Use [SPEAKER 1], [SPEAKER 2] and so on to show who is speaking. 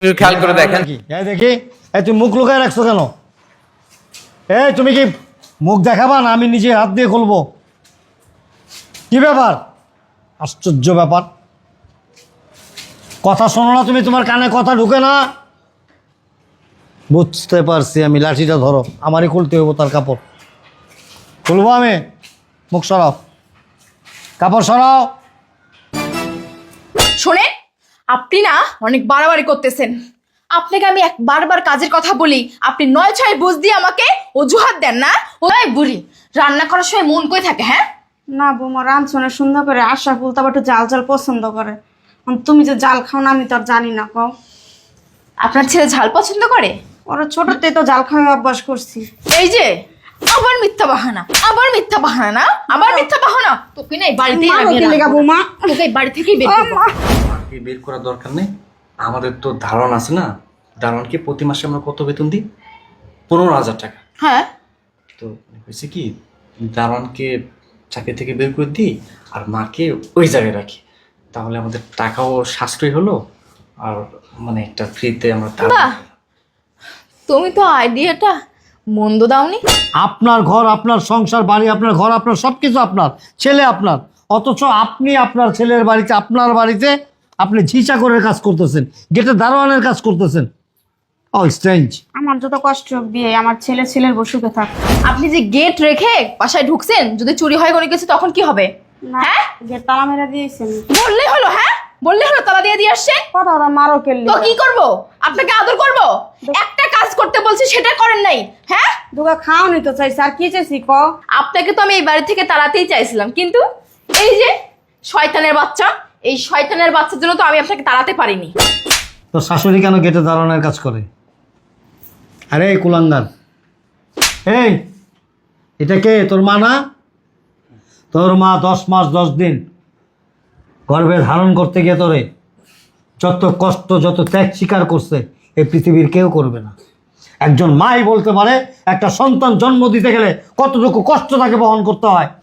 [SPEAKER 1] খেয়াল করে দেখেন
[SPEAKER 2] কি এই দেখি এই তুমি মুখ লুকায় রাখছো কেন? এই তুমি কি মুখ দেখাবা না আমি নিজে হাত দিয়ে খুলবো? কি ব্যাপার? আশ্চর্য ব্যাপার, কথা শোনো না তুমি, তোমার কানে কথা ঢুকে না? বুঝতে পারছি আমি, লাঠিটা ধরো, আমারই খুলতে হইব তার কাপড়। খুলবো আমি? মুখ সরাও, কাপড় সরাও।
[SPEAKER 3] শোনেন, আপনি না অনেক বাড়াবাড়ি করতেছেন। আপনাকে আমি বারবার কাজের কথা বলি, আপনি ৯-৬ বুঝ দিয়ে আমাকে অজুহাত দেন না। ওই বুড়ি রান্না করার সময় মন কই থাকে? হ্যাঁ
[SPEAKER 4] না বৌমা, রাঁধছনে সুন্দর করে আশা ফুল তবে একটু জাল জাল পছন্দ করে। তুমি যে জাল খাও না আমি তো আর জানি না। কও
[SPEAKER 3] আপনার ছেলে ঝাল পছন্দ করে?
[SPEAKER 4] ওরা ছোটতে তো জাল খাওয়া অভ্যাস করছি।
[SPEAKER 3] এই যে আবার মিথ্যা বাহানা, আবার মিথ্যা বাহানা না, আবার মিথ্যা বাহানা। তোকে না এই বাড়িতেই আমি
[SPEAKER 4] বৌমা
[SPEAKER 3] তোকে এই বাড়ি থেকেই বের করব।
[SPEAKER 5] আমাকে বের করার দরকার নেই, আমাদের তো ধারণ আছে না। দারোয়ানকে প্রতি মাসে আমরা কত বেতন দিই? 15,000 টাকা।
[SPEAKER 3] হ্যাঁ,
[SPEAKER 5] তো হয়েছে কি, দারোয়ানকে চাকরি থেকে বের করে দিই আর মাকে ওই জায়গায় রাখি, তাহলে আমাদের টাকাও সাশ্রয় হলো আর মানে একটা ফ্রিতে আমরা
[SPEAKER 3] বাহ, তুমি তো আইডিয়াটা মন্দ দাওনি।
[SPEAKER 2] আপনার ঘর, আপনার সংসার, বাড়ি আপনার, ঘর আপনার, সব কিছু আপনার, ছেলে আপনার, অথচ আপনি আপনার ছেলের বাড়িতে, আপনার বাড়িতে আপনি ঝিচাকরের কাজ করতেছেন, গেটে দারোয়ানের কাজ করতেছেন। ও স্ট্রেঞ্জ।
[SPEAKER 4] আমার যত কষ্ট হোক বিয়ে, আমার ছেলের বসুকে থাক।
[SPEAKER 3] আপনি যে গেট রেখে বাসায় ঢুকছেন, যদি চুরি হয় কোনো কিছু তখন কি হবে? হ্যাঁ,
[SPEAKER 4] যে তালা মেরা দিয়েছেন
[SPEAKER 3] বললেই হলো। হ্যাঁ বললেই হলো, তালা দিয়ে আসছে।
[SPEAKER 4] কথা ওরা মারো কেললি
[SPEAKER 3] তো কি করব? আপনাকে আদর করব? একটা কাজ করতে বলছি সেটা করেন নাই। হ্যাঁ,
[SPEAKER 4] দুগা খাও নি তো চাইছি, আর কি চাইছি ক?
[SPEAKER 3] আপনাকে তো আমি এই বাড়ি থেকে তাড়াতেই চাইছিলাম, কিন্তু এই যে শয়তানের বাচ্চা, এই শয়তানের বাচ্চার জন্য তো আমি আপনাকে তাড়াতে পারিনি।
[SPEAKER 2] তো শাশুড়ি কেন গেটে দারোয়ানের কাজ করে? আরে কুলাঙ্গার, এই এটা কে? তোর মা না? তোর মা 10 মাস 10 দিন গর্ভে ধারণ করতে গিয়ে তোরে যত কষ্ট, যত ত্যাগ স্বীকার করছে এই পৃথিবীর কেউ করবে না। একজন মাই বলতে পারে একটা সন্তান জন্ম দিতে গেলে কতটুকু কষ্ট তাকে বহন করতে হয়।